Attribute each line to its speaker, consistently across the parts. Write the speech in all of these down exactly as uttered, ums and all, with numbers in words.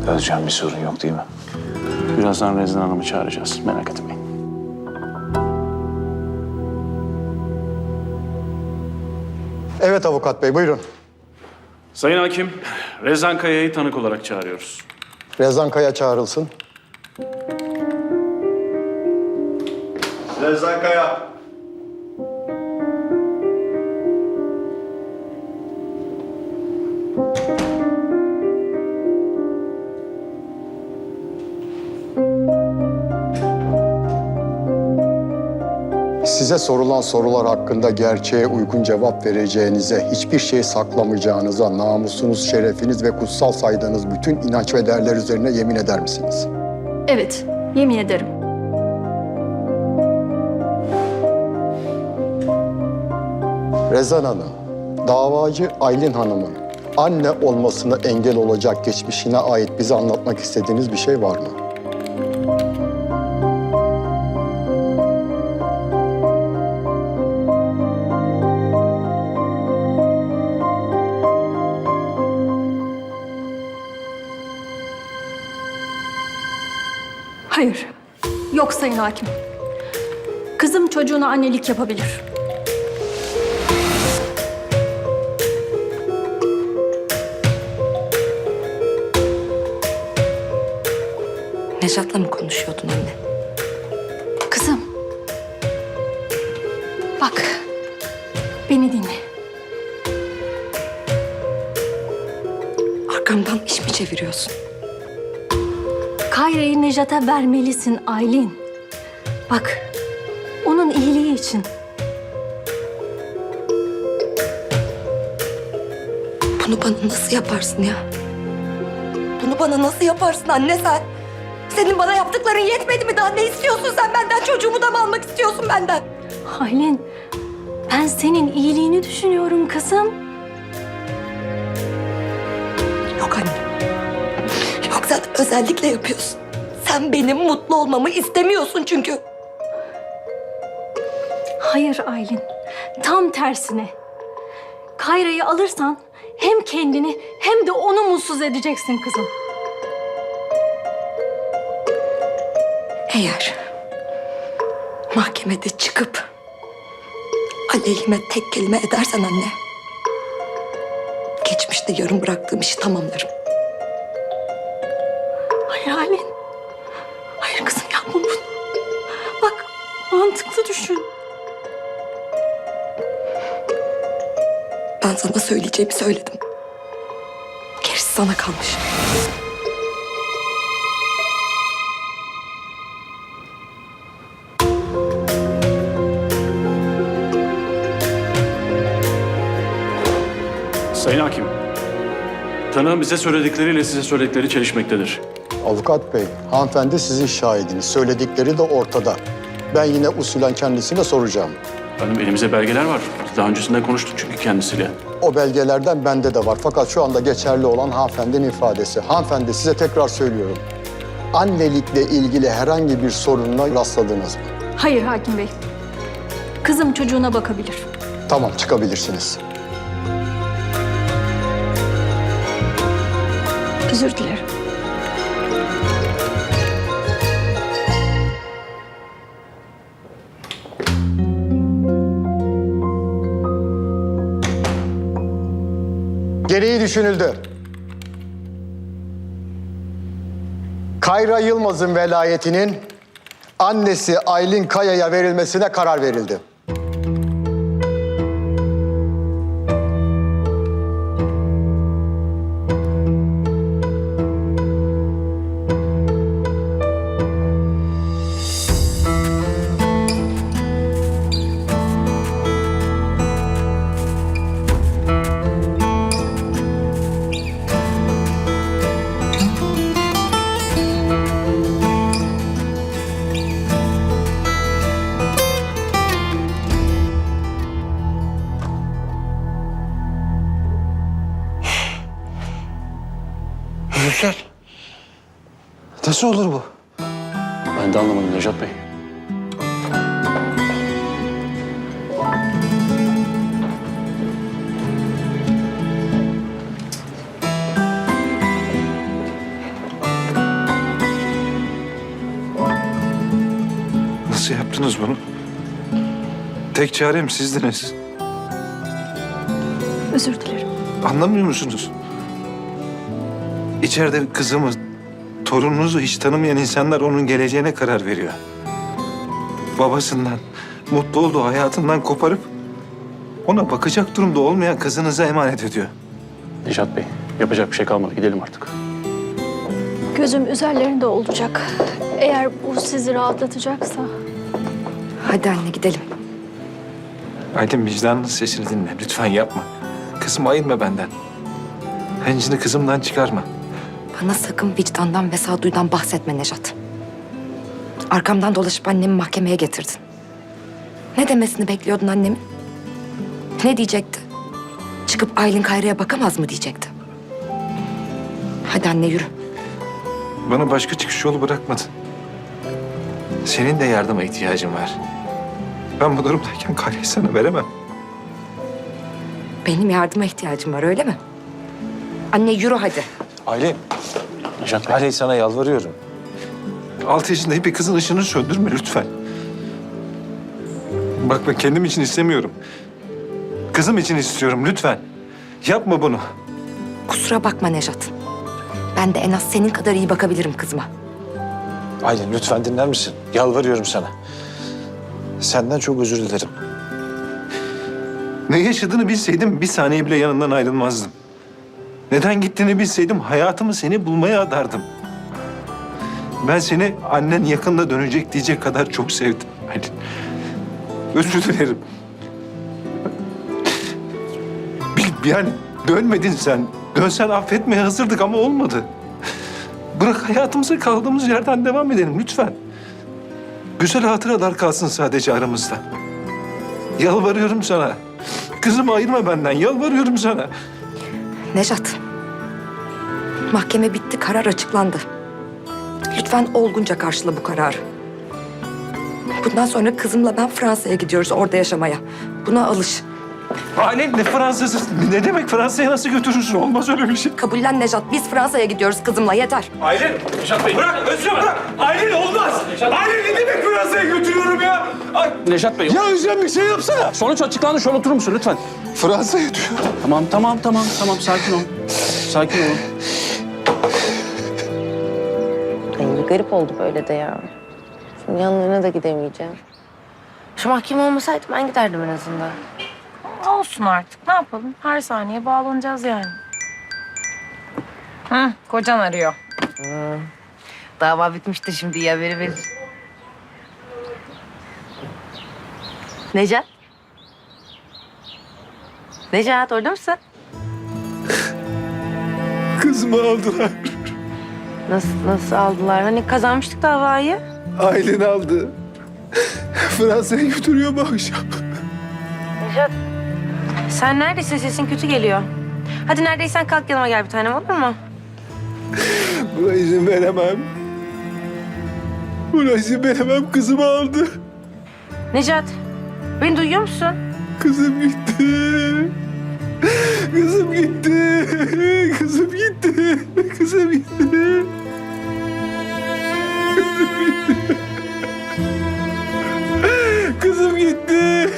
Speaker 1: Özcan, bir sorun yok değil mi?
Speaker 2: Birazdan Rezan Hanım'ı çağıracağız. Merak etmeyin.
Speaker 3: Evet avukat bey, buyurun.
Speaker 2: Sayın Hakim, Rezan Kaya'yı tanık olarak çağırıyoruz.
Speaker 3: Rezan Kaya çağrılsın.
Speaker 4: Rezan Kaya.
Speaker 3: Size sorulan sorular hakkında gerçeğe uygun cevap vereceğinize, hiçbir şey saklamayacağınıza, namusunuz, şerefiniz ve kutsal saydığınız bütün inanç ve değerler üzerine yemin eder misiniz?
Speaker 5: Evet, yemin ederim.
Speaker 3: Rezan Hanım, davacı Aylin Hanım'ın anne olmasına engel olacak geçmişine ait bize anlatmak istediğiniz bir şey var mı?
Speaker 5: Hayır, yok Sayın Hakim. Kızım çocuğuna annelik yapabilir.
Speaker 6: Nejat'la mı konuşuyordun anne?
Speaker 5: Kızım, bak, beni dinle.
Speaker 6: Arkamdan iş mi çeviriyorsun?
Speaker 5: Kayra'yı Nejat'a vermelisin Aylin. Bak, onun iyiliği için.
Speaker 6: Bunu bana nasıl yaparsın ya? Bunu bana nasıl yaparsın anne sen? Senin bana yaptıkların yetmedi mi? Daha ne istiyorsun sen benden? Çocuğumu da mı almak istiyorsun benden?
Speaker 5: Aylin, ben senin iyiliğini düşünüyorum kızım.
Speaker 6: Yok anne. Yok, sen özellikle yapıyorsun. Sen benim mutlu olmamı istemiyorsun çünkü.
Speaker 5: Hayır Aylin, tam tersine. Kayra'yı alırsan hem kendini hem de onu mutsuz edeceksin kızım.
Speaker 6: Eğer mahkemede çıkıp aleyhime tek kelime edersen anne, geçmişte yarım bıraktığım işi tamamlarım.
Speaker 5: Hayır Aylin. Hayır kızım, yapma bunu. Bak, mantıklı düşün.
Speaker 6: Ben sana söyleyeceğimi söyledim. Gerisi sana kalmış.
Speaker 2: Sayın Hakim, tanığın bize söyledikleriyle size söyledikleri çelişmektedir.
Speaker 3: Avukat bey, hanımefendi sizin şahidiniz. Söyledikleri de ortada. Ben yine usulen kendisine soracağım.
Speaker 2: Benim elimizde belgeler var. Biz daha öncesinde konuştuk çünkü kendisiyle.
Speaker 3: O belgelerden bende de var. Fakat şu anda geçerli olan hanımefendinin ifadesi. Hanımefendi, size tekrar söylüyorum. Annelikle ilgili herhangi bir sorunla rastladınız mı?
Speaker 5: Hayır Hakim Bey. Kızım çocuğuna bakabilir.
Speaker 3: Tamam, çıkabilirsiniz.
Speaker 5: Özür dilerim.
Speaker 3: Gereği düşünüldü. Kayra Yılmaz'ın velayetinin annesi Aylin Kaya'ya verilmesine karar verildi.
Speaker 1: Müfler. Nasıl olur bu?
Speaker 2: Ben de anlamadım Nejat Bey.
Speaker 1: Nasıl yaptınız bunu? Tek çarem sizdiniz.
Speaker 5: Özür dilerim.
Speaker 1: Anlamıyor musunuz? İçeride kızımı, torununuzu hiç tanımayan insanlar onun geleceğine karar veriyor. Babasından, mutlu olduğu hayatından koparıp ona bakacak durumda olmayan kızınıza emanet ediyor.
Speaker 2: Necat Bey, yapacak bir şey kalmadı. Gidelim artık.
Speaker 5: Gözüm üzerlerinde olacak. Eğer bu sizi rahatlatacaksa.
Speaker 6: Hadi anne gidelim.
Speaker 1: Aydın, vicdanının sesini dinle. Lütfen yapma. Kızımı ayırma benden. Hencini kızımdan çıkarma.
Speaker 6: Bana sakın vicdandan ve sağduyudan bahsetme Nejat. Arkamdan dolaşıp annemi mahkemeye getirdin. Ne demesini bekliyordun annemin? Ne diyecekti? Çıkıp Aylin Kayra'ya bakamaz mı diyecekti. Hadi anne yürü.
Speaker 1: Bana başka çıkış yolu bırakmadın. Senin de yardıma ihtiyacın var. Ben bu durumdayken Karya'yı sana veremem.
Speaker 6: Benim yardıma ihtiyacım var öyle mi? Anne yürü hadi.
Speaker 1: Aylin,
Speaker 2: Necat Bey.
Speaker 1: Aylin sana yalvarıyorum. Altı yaşında bir kızın ışığını söndürme lütfen. Bak ben kendim için istemiyorum. Kızım için istiyorum lütfen. Yapma bunu.
Speaker 6: Kusura bakma Nejat. Ben de en az senin kadar iyi bakabilirim kızıma.
Speaker 1: Aylin lütfen dinler misin? Yalvarıyorum sana. Senden çok özür dilerim. Ne yaşadığını bilseydim bir saniye bile yanından ayrılmazdım. Neden gittiğini bilseydim hayatımı seni bulmaya adardım. Ben seni annen yakında dönecek diyecek kadar çok sevdim Aylin. Özür dilerim. Bil, yani dönmedin sen. Dönsen affetmeye hazırdık ama olmadı. Bırak hayatımıza kaldığımız yerden devam edelim lütfen. Güzel hatıralar kalsın sadece aramızda. Yalvarıyorum sana. Kızımı ayırma benden. Yalvarıyorum sana.
Speaker 6: Nejat. Mahkeme bitti, karar açıklandı. Lütfen olgunca karşıla bu kararı. Bundan sonra kızımla ben Fransa'ya gidiyoruz orada yaşamaya. Buna alış.
Speaker 1: Aylin ne Fransa'sı? Ne demek Fransa'ya nasıl götürürsün? Olmaz öyle bir şey.
Speaker 6: Kabullen Nejat. Biz Fransa'ya gidiyoruz kızımla yeter.
Speaker 4: Aylin!
Speaker 2: Necat Bey.
Speaker 4: Bırak! Özlem bırak! Aylin olmaz! Aylin ne demek Fransa'ya götürüyorum ya? Ay,
Speaker 2: Necat Bey.
Speaker 1: Ya Özlem bir şey yapsana.
Speaker 2: Sonuç açıklandı. Şöyle oturur musun lütfen?
Speaker 1: Fransa'ya diyor.
Speaker 2: Tamam, tamam, tamam, tamam. Sakin ol. Sakin ol.
Speaker 7: Ay, bir garip oldu böyle de ya. Şimdi yanlarına da gidemeyeceğim. Şu mahkeme olmasaydı ben giderdim en azından.
Speaker 8: Olsun artık. Ne yapalım? Her saniye bağlanacağız yani. Hı, kocan arıyor.
Speaker 7: Dava bitmiştir şimdi iyi haberi verir. Necat? Necat orada mısın?
Speaker 1: Kızımı aldılar.
Speaker 7: Nasıl, nasıl aldılar? Hani kazanmıştık davayı.
Speaker 1: Aylin aldı. Fransa'ya götürüyor bu akşam.
Speaker 7: Necat, sen neredesin? Sesin kötü geliyor. Hadi neredeysen kalk yanıma gel bir tanem olur mu?
Speaker 1: Buna izin veremem. Buna izin veremem. Kızımı aldı.
Speaker 7: Necat, beni duyuyor musun?
Speaker 1: Kızım gitti. Kızım gitti. Kızım gitti. Kızım gitti. Kızım gitti.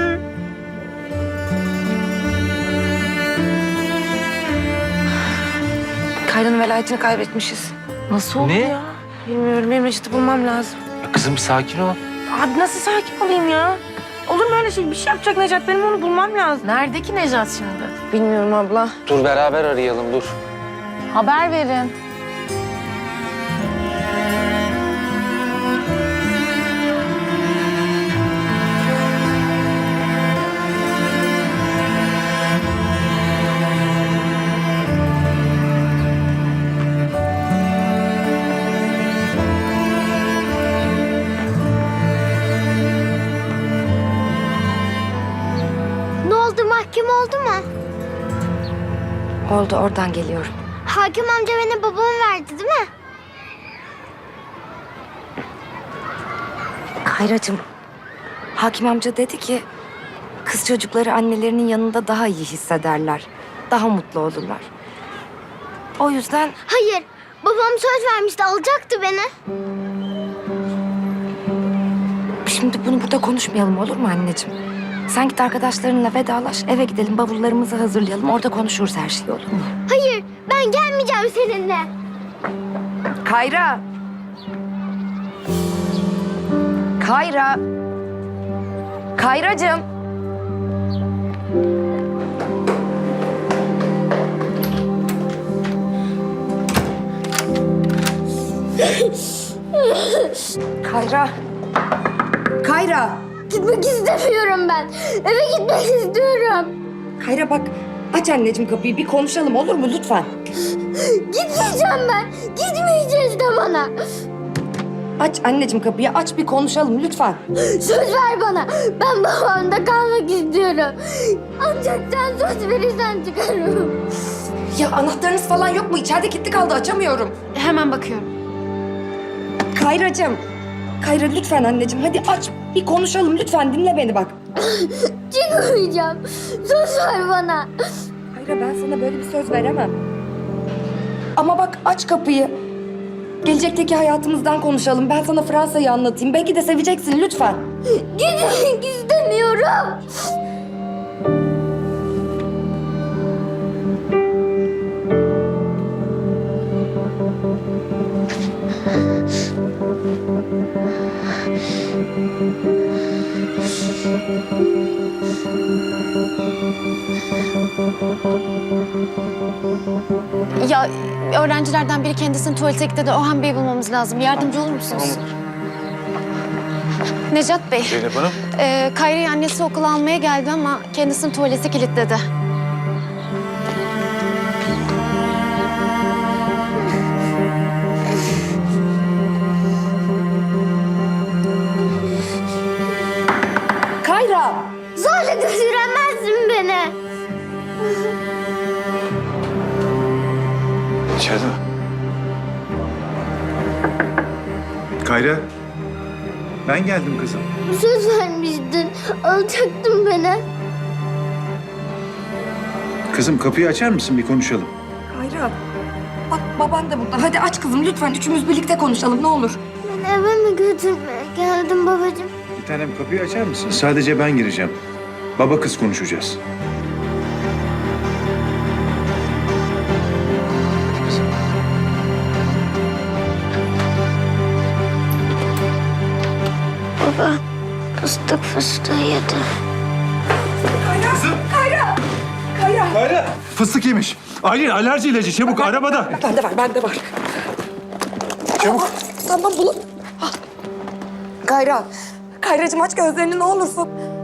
Speaker 7: Kayra'nın velayetini kaybetmişiz.
Speaker 8: Nasıl oldu
Speaker 1: Ne?
Speaker 8: ya?
Speaker 7: Bilmiyorum, benim Necat'ı bulmam lazım.
Speaker 1: Kızım sakin ol.
Speaker 7: Abi nasıl sakin olayım ya? Olur mu öyle şey? Bir şey yapacak Necat. Benim onu bulmam lazım.
Speaker 8: Nerede ki Necat şimdi?
Speaker 7: Bilmiyorum abla.
Speaker 4: dur beraber arayalım dur.
Speaker 8: Haber verin.
Speaker 9: Ne oldu, mahkeme oldu mu?
Speaker 6: Oldu oradan geliyorum.
Speaker 9: Hakim amca beni babama verdi değil mi?
Speaker 6: Kayracığım, hakim amca dedi ki kız çocukları annelerinin yanında daha iyi hissederler. Daha mutlu olurlar. O yüzden
Speaker 9: Hayır, babam söz vermişti, alacaktı beni.
Speaker 6: Şimdi bunu burada konuşmayalım olur mu anneciğim? Sen git arkadaşlarınla vedalaş, eve gidelim, bavullarımızı hazırlayalım. Orada konuşuruz her şeyi, olur mu?
Speaker 9: Hayır, ben gelmeyeceğim seninle.
Speaker 6: Kayra! Kayra! Kayracığım! Kayra! Kayra!
Speaker 9: Gitmek istemiyorum ben. Eve gitmek istiyorum.
Speaker 6: Kayra bak, aç anneciğim kapıyı, bir konuşalım olur mu lütfen?
Speaker 9: Gitmeyeceğim ben. Gitmeyeceğiz de bana.
Speaker 6: Aç anneciğim kapıyı, aç bir konuşalım lütfen.
Speaker 9: Söz ver bana. Ben babamda kalmak istiyorum. Ancak sen söz verirsen çıkarım.
Speaker 6: Ya anahtarınız falan yok mu? İçeride kilitli kaldı, açamıyorum.
Speaker 9: Hemen bakıyorum.
Speaker 6: Kayracığım. Kayra lütfen anneciğim, hadi aç. Bir konuşalım lütfen, dinle beni bak.
Speaker 9: Çıkmayacağım. Söz ver bana.
Speaker 6: Kayra ben sana böyle bir söz veremem. Ama bak aç kapıyı. Gelecekteki hayatımızdan konuşalım. Ben sana Fransa'yı anlatayım. Belki de seveceksin lütfen.
Speaker 9: Gitmek istemiyorum.
Speaker 10: Ya öğrencilerden biri kendisini tuvalete gitti de Orhan Bey'i bulmamız lazım. Yardımcı olur musunuz? Necat Bey.
Speaker 2: Zeynep Hanım.
Speaker 10: E, Kayra'yı annesi okula almaya geldi ama kendisini tuvalete kilitledi.
Speaker 6: Kayra!
Speaker 9: Zorla götüremezsin beni.
Speaker 1: İçeride mi? Kayra. Ben geldim kızım.
Speaker 9: Söz vermiştin. Alacaktın beni.
Speaker 1: Kızım kapıyı açar mısın, bir konuşalım?
Speaker 6: Kayra. Bak baban da burada. Hadi aç kızım lütfen. Üçümüz birlikte konuşalım ne olur.
Speaker 9: Beni eve mi götürmeye geldin babacığım?
Speaker 1: Bir tanem kapıyı açar mısın? Sadece ben gireceğim. Baba kız konuşacağız.
Speaker 9: Baba, fıstık fıstığı yedi.
Speaker 1: Kayra! Fıstık yemiş. Aylin alerji ilacı çabuk arabada.
Speaker 6: Bende var, bende var.
Speaker 1: Çabuk.
Speaker 6: Tamam bulun. Ah. Kayra. Kayracığım aç gözlerini ne olursun.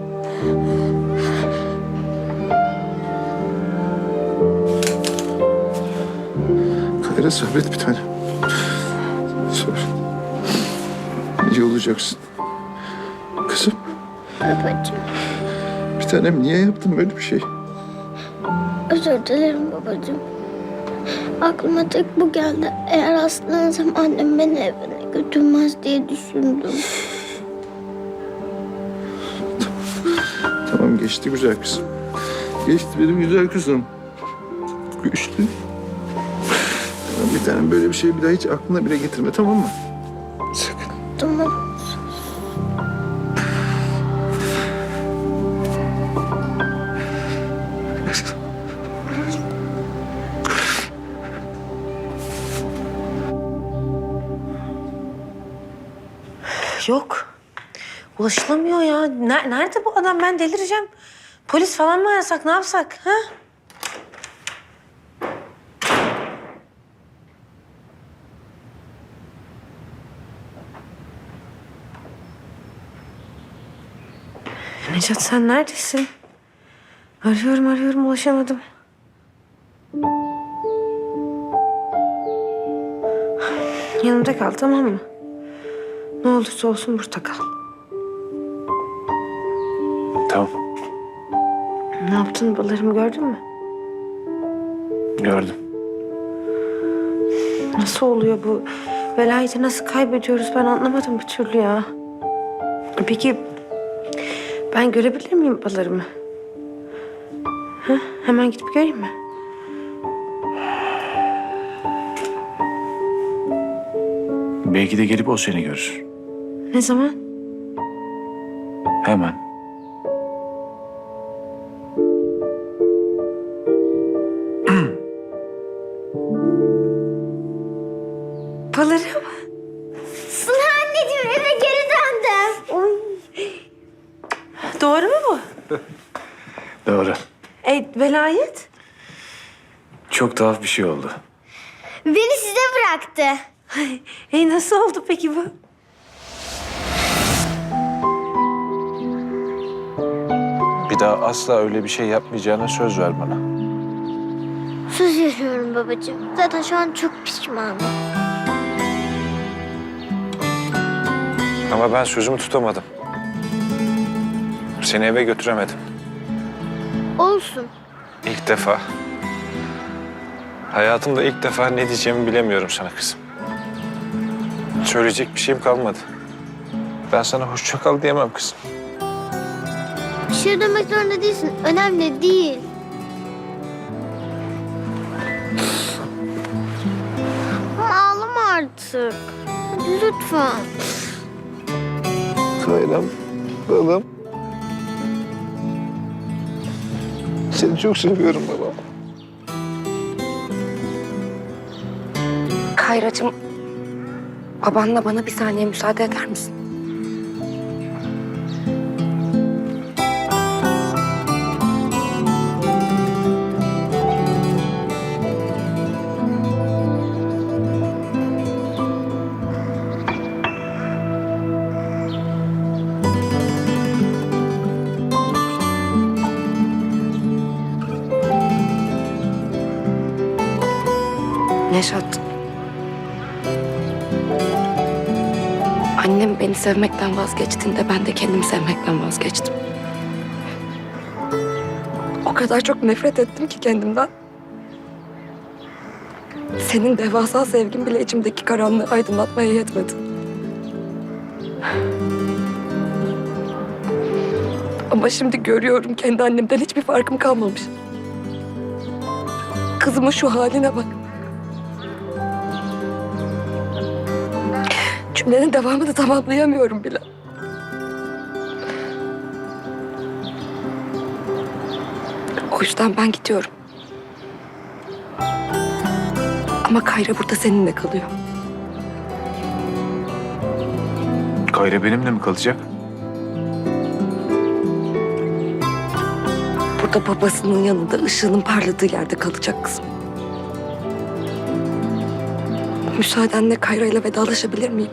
Speaker 1: Kayra sabret bir tane. Sabret. İyi olacaksın. Kızım.
Speaker 9: Babacığım,
Speaker 1: Bir tanem niye yaptın böyle bir şey?
Speaker 9: özür dilerim babacığım. Aklıma tek bu geldi. Eğer hastalanırsam annem beni evine götürmez diye düşündüm.
Speaker 1: Tamam geçti güzel kızım. Geçti benim güzel kızım. Geçti. Tamam, bir tanem böyle bir şey bir daha hiç aklına bile getirme, tamam mı? Sakın.
Speaker 9: Tamam.
Speaker 7: Yok. Ulaşılamıyor ya. Ne- nerede bu adam? Ben delireceğim. Polis falan mı arasak? Ne yapsak? Ha? Necat sen neredesin? Arıyorum arıyorum ulaşamadım. Yanımda kal tamam mı? Ne olursa olsun burada kal.
Speaker 2: Tamam.
Speaker 7: Ne yaptın? Balarımı gördün mü?
Speaker 2: Gördüm.
Speaker 7: Nasıl oluyor bu? Velayeti nasıl kaybediyoruz ben anlamadım bir türlü ya. Peki ben görebilir miyim balarımı? Ha? Hemen gidip göreyim mi?
Speaker 2: Belki de gelip o seni görür.
Speaker 7: Ne zaman?
Speaker 4: Hemen.
Speaker 7: Balarım.
Speaker 9: Suna anneciğim eve geri döndüm.
Speaker 7: Oy. Doğru mu bu?
Speaker 4: Doğru.
Speaker 7: E, velayet?
Speaker 4: Çok tuhaf bir şey oldu.
Speaker 9: Beni size bıraktı.
Speaker 7: E, nasıl oldu peki bu?
Speaker 11: Bir daha asla öyle bir şey yapmayacağına söz ver bana.
Speaker 9: Söz veriyorum babacığım. Zaten şu an çok pişmanım.
Speaker 11: Ama ben sözümü tutamadım. Seni eve götüremedim.
Speaker 9: Olsun.
Speaker 11: İlk defa. Hayatımda ilk defa ne diyeceğimi bilemiyorum sana kızım. Söyleyecek bir şeyim kalmadı. Ben sana hoşça kal diyemem kızım.
Speaker 9: Bir şey demek zorunda değilsin. Önemli değil. Ama ağlama artık. Hadi lütfen.
Speaker 11: Kayrem, babam. Seni çok seviyorum babam.
Speaker 6: Kayracığım, babanla bana bir saniye müsaade eder misin? Neşat. Annem beni sevmekten vazgeçtiğinde ben de kendimi sevmekten vazgeçtim. O kadar çok nefret ettim ki kendimden. Senin devasa sevgin bile içimdeki karanlığı aydınlatmaya yetmedi. Ama şimdi görüyorum kendi annemden hiçbir farkım kalmamış. Kızımın şu haline bak. Cümlenin devamını tamamlayamıyorum bile. O yüzden ben gidiyorum. Ama Kayra burada seninle kalıyor.
Speaker 11: Kayra benimle mi kalacak?
Speaker 6: Burada babasının yanında ışığının parladığı yerde kalacak kızım. Müsaadenle Kayra ile vedalaşabilir miyim?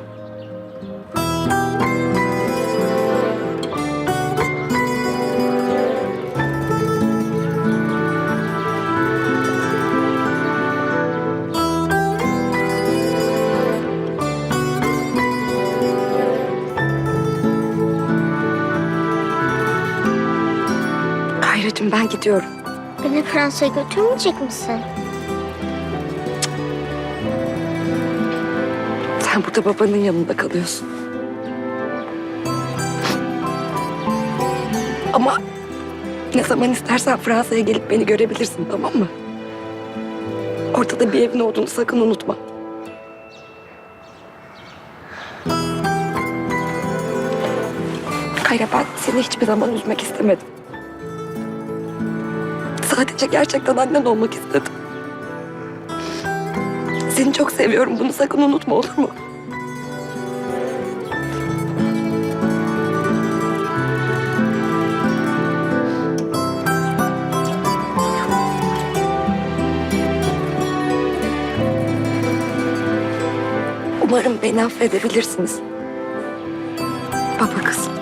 Speaker 6: Kayracığım ben gidiyorum.
Speaker 9: Beni Fransa'ya götürmeyecek misin?
Speaker 6: Sen burada babanın yanında kalıyorsun. Ama ne zaman istersen Fransa'ya gelip beni görebilirsin, tamam mı? Orada da bir evin olduğunu sakın unutma. Kayra, ben seni hiçbir zaman üzmek istemedim. Sadece gerçekten annen olmak istedim. Seni çok seviyorum. Bunu sakın unutma, olur mu? Umarım beni affedebilirsiniz. Baba kızım.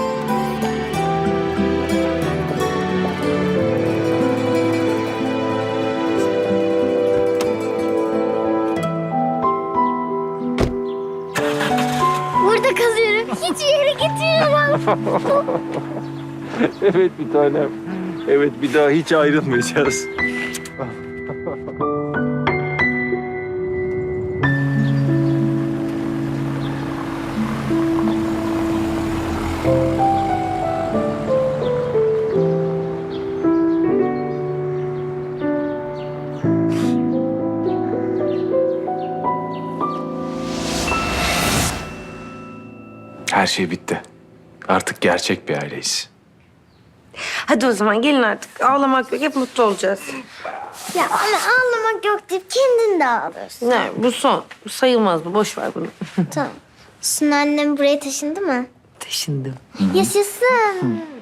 Speaker 9: Burada kalıyorum. Hiçbir yere gitmiyorum.
Speaker 11: Evet bir tanem. Evet bir daha hiç ayrılmayacağız. Her şey bitti. Artık gerçek bir aileyiz.
Speaker 7: Hadi o zaman gelin artık. Ağlamak yok. Hep mutlu olacağız.
Speaker 9: Ya anne ağlamak yok deyip kendin de ağlıyorsun.
Speaker 7: Ne? Bu son. Bu sayılmaz bu. Boş ver bunu.
Speaker 9: Tamam. Şimdi annem buraya taşındı mı?
Speaker 7: Taşındım.
Speaker 9: Yaşasın.